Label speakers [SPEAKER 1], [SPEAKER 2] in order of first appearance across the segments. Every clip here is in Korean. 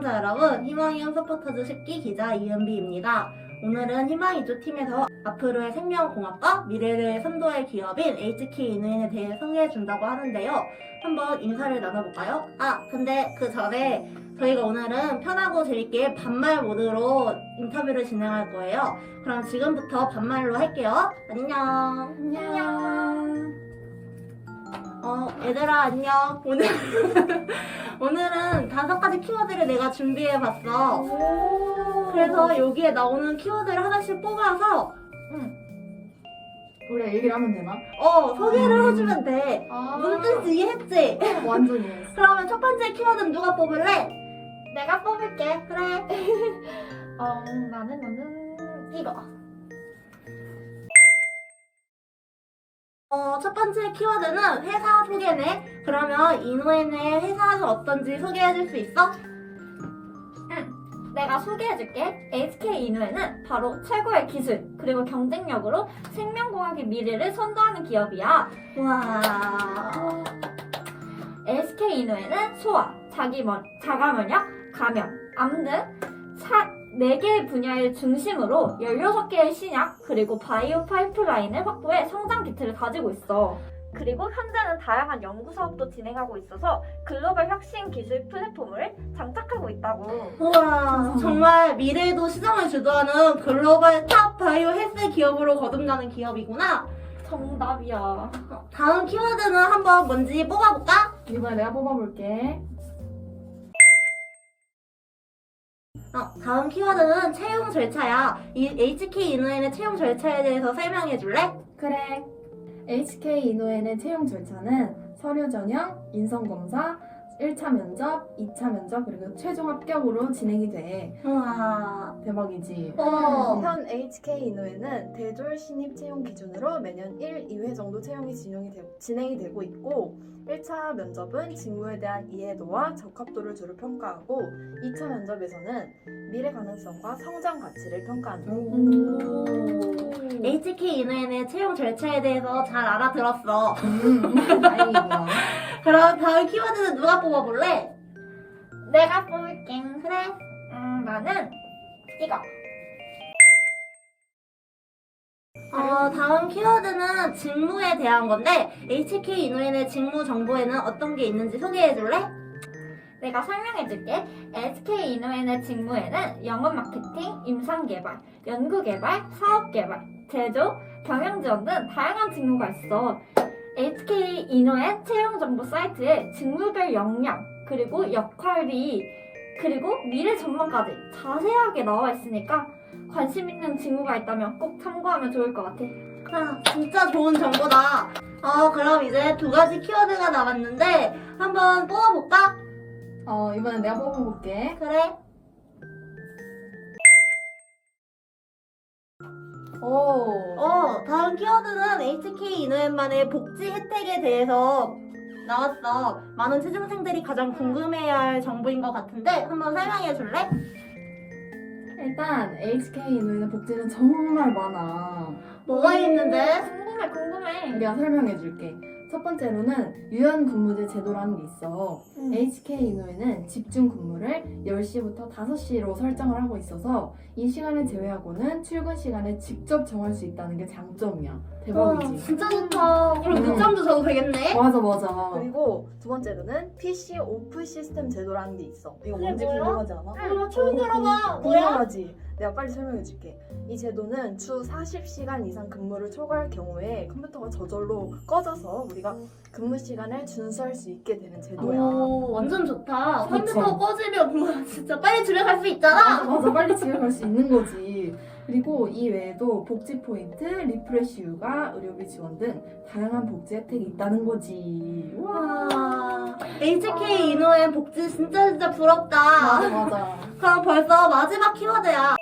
[SPEAKER 1] 시청자 여러분, 희망이형 서포터즈 10기 기자 이은비입니다. 오늘은 희망이조 팀에서 앞으로의 생명공학과 미래를 선도할 기업인 HK인후엔에 대해 소개해준다고 하는데요. 한번 인사를 나눠볼까요? 근데 그 전에 저희가 오늘은 편하고 재밌게 반말 모드로 인터뷰를 진행할 거예요. 그럼 지금부터 반말로 할게요. 안녕.
[SPEAKER 2] 안녕.
[SPEAKER 1] 얘들아 안녕. 오늘은 5가지 키워드를 내가 준비해봤어. 그래서 여기에 나오는 키워드를 하나씩 뽑아서
[SPEAKER 2] 우리가 얘기를 하면 되나?
[SPEAKER 1] 소개를 해주면 돼. 무슨 뜻인지 이해했지?
[SPEAKER 2] 완전 이해했어.
[SPEAKER 1] 그러면 첫 번째 키워드는 누가 뽑을래?
[SPEAKER 3] 내가 뽑을게.
[SPEAKER 1] 그래.
[SPEAKER 3] 나는 이거.
[SPEAKER 1] 첫 번째 키워드는 회사 소개네. 그러면 인후엔의 회사는 어떤지 소개해줄 수 있어?
[SPEAKER 3] 내가 소개해줄게. HK인후엔은 바로 최고의 기술 그리고 경쟁력으로 생명공학의 미래를 선도하는 기업이야.
[SPEAKER 1] 와.
[SPEAKER 3] SK인후엔은 소아, 자가면역, 감염, 암 등 4개의 분야를 중심으로 16개의 신약 그리고 바이오 파이프라인을 확보해 성장 기틀을 가지고 있어. 그리고 현재는 다양한 연구 사업도 진행하고 있어서 글로벌 혁신 기술 플랫폼을 장착하고 있다고.
[SPEAKER 1] 우와. 정말 미래에도 시장을 주도하는 글로벌 탑 바이오 헬스 기업으로 거듭나는 기업이구나.
[SPEAKER 3] 정답이야.
[SPEAKER 1] 다음 키워드는 한번 뭔지 뽑아볼까?
[SPEAKER 2] 이번에 내가 뽑아볼게.
[SPEAKER 1] 다음 키워드는 채용 절차야. 이 HK인후엔의 채용 절차에 대해서 설명해줄래?
[SPEAKER 2] 그래. HK인후엔의 채용 절차는 서류 전형, 인성검사, 1차 면접, 2차 면접, 그리고 최종 합격으로 진행이 돼.
[SPEAKER 1] 우와.
[SPEAKER 2] 대박이지?
[SPEAKER 4] 현 HK인후엔은 대졸 신입 채용 기준으로 매년 1, 2회 정도 채용이 진행이 되고 있고 1차 면접은 직무에 대한 이해도와 적합도를 주로 평가하고 2차 면접에서는 미래 가능성과 성장 가치를 평가한다.
[SPEAKER 1] HK인후엔의 채용 절차에 대해서 잘 알아들었어.
[SPEAKER 2] 다행이구나.
[SPEAKER 1] 그럼 다음 키워드는 누가 뽑아볼래?
[SPEAKER 3] 내가 뽑을게.
[SPEAKER 1] 그래.
[SPEAKER 3] 나는 이거.
[SPEAKER 1] 다음 키워드는 직무에 대한 건데 HK인후엔의 직무 정보에는 어떤 게 있는지 소개해줄래?
[SPEAKER 3] 내가 설명해줄게. SK인후엔의 직무에는 영업 마케팅, 임상개발, 연구개발, 사업개발, 제조, 경영지원 등 다양한 직무가 있어. HK인후엔 채용정보 사이트에 직무별 역량, 그리고 역할비, 그리고 미래 전망까지 자세하게 나와 있으니까 관심 있는 직무가 있다면 꼭 참고하면 좋을 것 같아.
[SPEAKER 1] 진짜 좋은 정보다. 그럼 이제 2가지 키워드가 남았는데 한번 뽑아볼까?
[SPEAKER 2] 이번에 내가 뽑아볼게.
[SPEAKER 1] 그래. 다음 키워드는 HK인후엔만의 복지 혜택에 대해서 나왔어. 많은 취준생들이 가장 궁금해야 할 정보인 것 같은데 한번 설명해 줄래?
[SPEAKER 2] 일단 HK인후엔의 복지는 정말 많아.
[SPEAKER 1] 뭐가 있는데?
[SPEAKER 3] 궁금해.
[SPEAKER 2] 내가 설명해줄게. 첫 번째로는 유연 근무제 제도라는 게 있어. HK인후에는 집중 근무를 10시부터 5시로 설정을 하고 있어서 이 시간을 제외하고는 출근 시간을 직접 정할 수 있다는 게 장점이야. 대박이지?
[SPEAKER 1] 진짜 좋다. 그럼 늦잠도 자도 되겠네?
[SPEAKER 2] 맞아.
[SPEAKER 4] 그리고 두 번째로는 PC 오프 시스템 제도라는 게 있어. 이거
[SPEAKER 1] 그게
[SPEAKER 4] 뭔지
[SPEAKER 1] 뭐야?
[SPEAKER 4] 궁금하지 않아?
[SPEAKER 1] 처음 들어봐. 뭐야?
[SPEAKER 4] 궁금하지? 내가 빨리 설명해줄게. 이 제도는 주 40시간 이상 근무를 초과할 경우에 컴퓨터가 저절로 꺼져서 우리가 근무 시간을 준수할 수 있게 되는 제도야.
[SPEAKER 1] 완전 좋다.
[SPEAKER 2] 그치?
[SPEAKER 1] 컴퓨터 꺼지면 뭐 진짜 빨리 집에 갈 수 있잖아.
[SPEAKER 2] 맞아. 빨리 집에 갈 수 있는 거지. 그리고 이 외에도 복지 포인트, 리프레시 휴가, 의료비 지원 등 다양한 복지 혜택이 있다는 거지.
[SPEAKER 1] 와. HK인후엔 복지 진짜 부럽다.
[SPEAKER 2] 맞아.
[SPEAKER 1] 그럼 벌써 마지막 키워드야.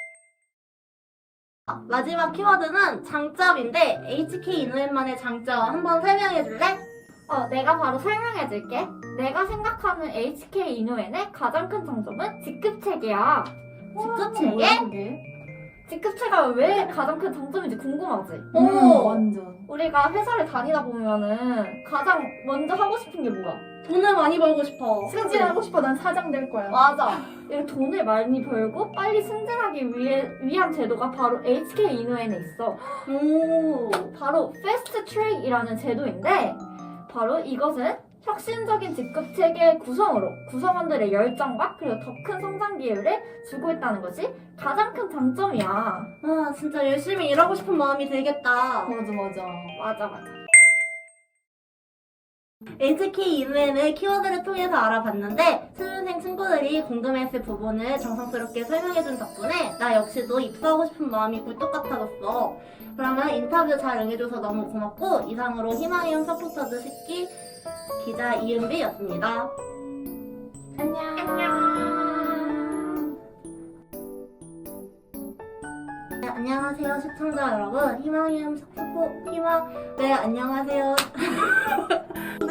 [SPEAKER 1] 마지막 키워드는 장점인데 HK인후엔만의 장점 한번 설명해 줄래?
[SPEAKER 3] 내가 바로 설명해줄게. 내가 생각하는 HK인후엔의 가장 큰 장점은 직급체계야.
[SPEAKER 1] 직급체계?
[SPEAKER 2] 뭐야, 그게?
[SPEAKER 3] 직급체가 왜 가장 큰 장점인지 궁금하지?
[SPEAKER 1] 오.
[SPEAKER 2] 완전.
[SPEAKER 3] 우리가 회사를 다니다 보면은 가장 먼저 하고 싶은 게 뭐야?
[SPEAKER 1] 돈을 많이 벌고 싶어.
[SPEAKER 2] 승진하고 싶어. 난 사장 될 거야.
[SPEAKER 1] 맞아.
[SPEAKER 3] 이렇게 돈을 많이 벌고 빨리 승진하기 위한 제도가 바로 HK 이노엔에 있어.
[SPEAKER 1] 오.
[SPEAKER 3] 바로 패스트 트랙이라는 제도인데 바로 이것은 혁신적인 직급 체계 구성으로 구성원들의 열정과 그리고 더 큰 성장 기회를 주고 있다는 것이 가장 큰 장점이야.
[SPEAKER 1] 아, 진짜 열심히 일하고 싶은 마음이 들겠다.
[SPEAKER 2] 맞아.
[SPEAKER 3] 맞아.
[SPEAKER 1] HK 이노엔의 키워드를 통해서 알아봤는데 수능생 친구들이 궁금했을 부분을 정성스럽게 설명해준 덕분에 나 역시도 입사하고 싶은 마음이 굴뚝 같아졌어. 그러면 인터뷰 잘 응해줘서 너무 고맙고 이상으로 희망이온 서포터즈 10기 기자 이은비였습니다.
[SPEAKER 3] 안녕.
[SPEAKER 1] 네, 안녕하세요 시청자 여러분. 네, 안녕하세요.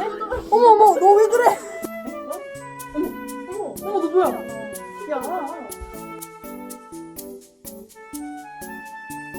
[SPEAKER 4] 어머 너 왜 그래?
[SPEAKER 2] 어머 너 뭐야? 야.